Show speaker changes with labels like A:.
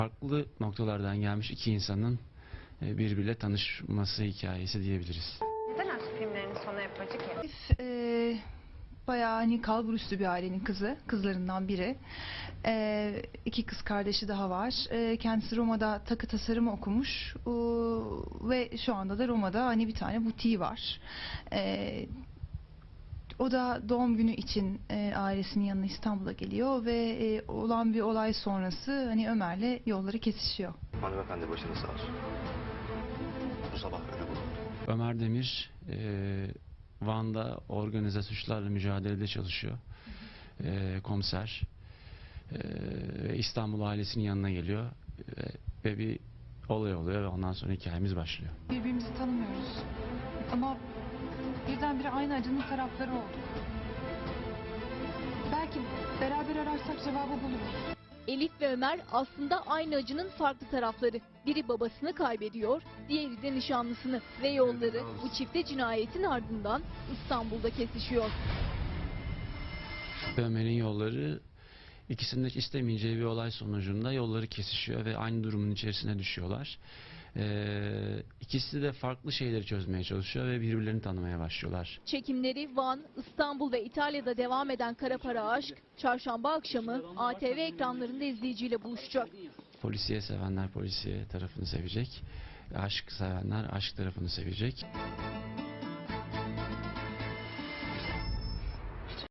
A: Farklı noktalardan gelmiş iki insanın birbiriyle tanışması hikayesi diyebiliriz.
B: Neden aşk filmlerinin sonu hep acı ki?
C: Bayağı hani kalburüstü bir ailenin kızlarından biri. İki kız kardeşi daha var. Kendisi Roma'da takı tasarımı okumuş. Ve şu anda da Roma'da hani bir tane butiği var. O da doğum günü için ailesinin yanına İstanbul'a geliyor ve olan bir olay sonrası hani Ömer'le yolları kesişiyor.
D: Hanımefendi başınız sağ olsun. Bu sabah ölü bulundu.
A: Ömer Demir Van'da organize suçlarla mücadelede çalışıyor. Komiser. İstanbul ailesinin yanına geliyor. Ve bir olay oluyor ve ondan sonra hikayemiz başlıyor.
C: Birbirimizi tanımıyoruz. Ama birdenbire aynı acının tarafları olduk. Belki beraber ararsak cevabı buluruz.
E: Elif ve Ömer aslında aynı acının farklı tarafları. Biri babasını kaybediyor, diğeri de nişanlısını ve yolları bu çifte cinayetin ardından İstanbul'da kesişiyor.
A: Ömer'in yolları ikisinin de istemeyeceği bir olay sonucunda yolları kesişiyor ve aynı durumun içerisine düşüyorlar. İkisi de farklı şeyleri çözmeye çalışıyor ve birbirlerini tanımaya başlıyorlar.
E: Çekimleri Van, İstanbul ve İtalya'da devam eden Kara Para Aşk, çarşamba akşamı ATV ekranlarında izleyiciyle buluşacak.
A: Polisiye sevenler polisiye tarafını sevecek, aşk sevenler aşk tarafını sevecek.